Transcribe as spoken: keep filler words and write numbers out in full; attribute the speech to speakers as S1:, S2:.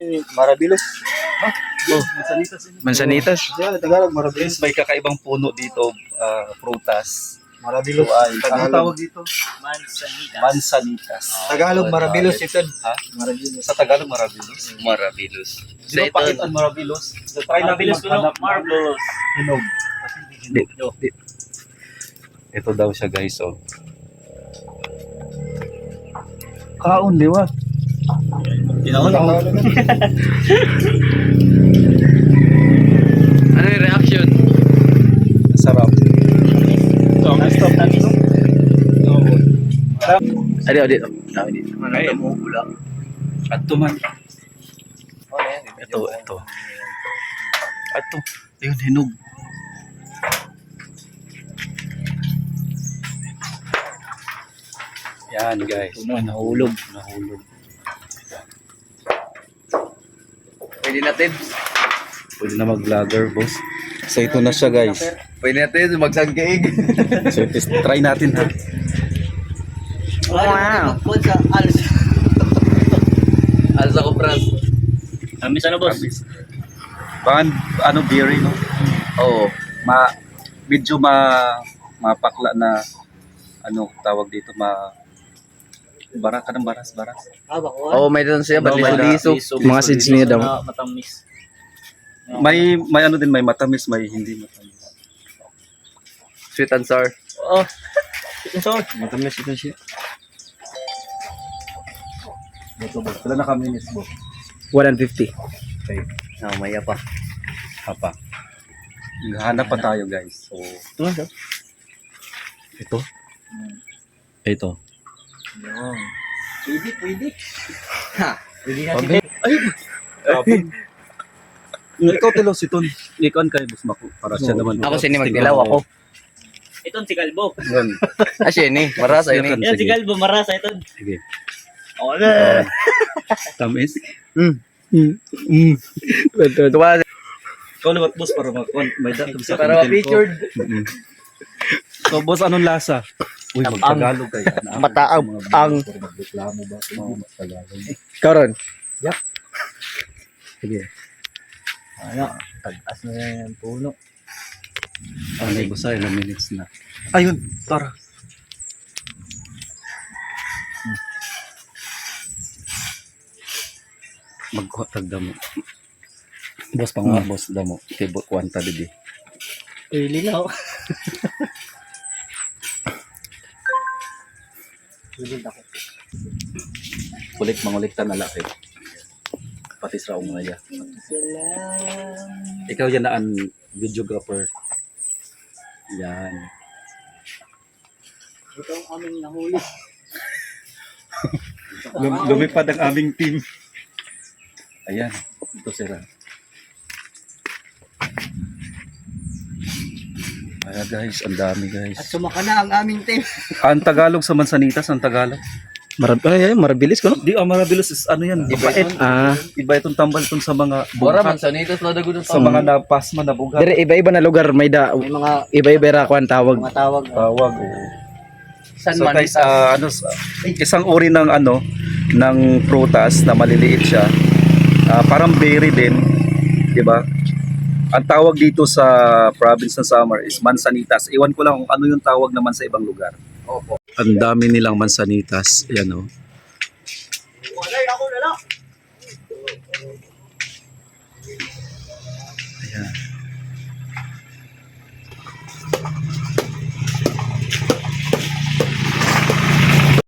S1: Marabilos.
S2: Oh,
S1: Mansanitas.
S2: Mansanitas.
S1: Siya, Tagalog, Marabilos.
S3: May kakaibang puno dito, ah, prutas.
S1: Marabilos.
S3: Ito ay, ano
S1: Tagalog.
S3: tawag dito?
S4: Mansanitas.
S3: Mansanitas.
S1: Tagalog, Marabilos ito.
S3: Ha?
S1: Marabilos.
S3: Sa Tagalog, marabilos.
S2: Marabilos.
S3: Di ba pakit ang marabilos? So, try natin
S4: Marabilos ko no?
S3: maghanap ng
S4: Marvelous.
S3: hinog.
S2: Di, di.
S3: Ito daw siya guys, oh. Kaon, di ba?
S4: Tinawag ako.
S2: Ano yung reaction?
S3: Sarap.
S4: Stop tamis.
S2: Adi, adi. Dami dito.
S3: Ay,
S4: Mula.
S3: at tuman.
S2: Ito, ito.
S3: Ito. Ayun, hinog. Yan guys.
S2: Nahulog.
S3: Nahulog.
S2: Pwede natin.
S3: Pwede na mag-vlogger, boss. So ito na siya guys.
S2: Pwede natin magsangkiig.
S3: So test, try natin ha.
S2: Wow.
S4: Kung sa alas.
S2: Alas ako, Franz.
S4: Tamis ano boss?
S3: Baka ano berry no?
S2: Oo.
S3: Ma medyo ma mapakla na ano tawag dito ma bara ka ng baras baras.
S4: Ah, bako.
S2: Oo, may doon siya.
S3: No,
S2: Ba't
S3: may
S2: liso-liso?
S3: liso,
S2: Mga
S3: liso,
S2: seeds
S3: liso.
S2: niya daw.
S4: Na matamis.
S3: May may ano din may matamis may hindi matamis.
S2: Sweet and sour.
S4: Oo. So,
S3: Matamis ito siya. Boto boss. Wala na kami miss boss.
S2: one fifty.
S3: Okay.
S2: Ah, maya pa.
S3: Hapa. Hanap pa tayo guys. So
S4: ito na.
S3: ito. Ito.
S4: Yun. Pwede, pwede.
S2: Ha.
S4: Pwede na
S3: Okay. Ay. Grabe. Ikaw tilo si Ton. Ikaw kay boss Mako para siya naman.
S2: Ako sini magdilaw ako.
S4: Itong si Kalbo.
S3: Yan.
S2: Ah, siya ni. Marasa ini.
S4: Yan si
S3: Sige.
S4: Kalbo, marasa ito.
S3: Sige.
S4: Oo na.
S3: Tamis.
S2: Mm. Mm. Mm. Tuwa.
S3: Ikaw liwat boss para mag may datum sa
S2: Para
S3: content ko.
S2: ma-featured.
S3: Mm-mm. So boss anong lasa? Uy,
S2: Ang-
S3: mag-Tagalog kayo.
S2: mataang ang
S3: magreklamo ba? Oo, mag-Tagalog.
S2: karon.
S3: Sige.
S4: Ano, tag-as na yan yung puno.
S3: Ano yung boss ay ilang minutes na. Ayun, tara. Magkuhatag damo. Boss pang mga boss damo. Kay bo kwanta didi.
S4: Pili na ako. Pili na ako.
S3: Kulik mangulik ta na laki. Pati sa mga ya.
S4: Salam.
S3: Ikaw yan na ang videographer. Yan.
S4: Ito ang aming nahuli.
S3: Lum- lumipad ang aming team. Ayan, ito sila. Ayan guys, ang dami guys.
S4: At sumaka na ang aming team.
S3: Ang Tagalog sa Mansanitas, ang Tagalog.
S2: Marab ay, ay, marabilis ko no.
S3: Di, ang Marabilos is ano yan, iba,
S2: Bait. Ah,
S3: iba itong tambal itong sa mga
S2: Bora
S3: bughat,
S2: mansanitas na dago
S3: sa mga napasma na bugat.
S2: dire iba-iba na lugar may da
S4: May mga
S2: iba-iba ra kuan tawag.
S4: mga tawag.
S3: Tawag. oo.
S2: San
S3: So guys, ah, ano, sa- isang uri ng ano, ng prutas na maliliit siya. Ah, parang berry din, di ba? Ang tawag dito sa province ng Samar is Mansanitas. Iwan ko lang kung ano yung tawag naman sa ibang lugar.
S2: Opo.
S3: Ang dami nilang Mansanitas. Yan o. Ayan.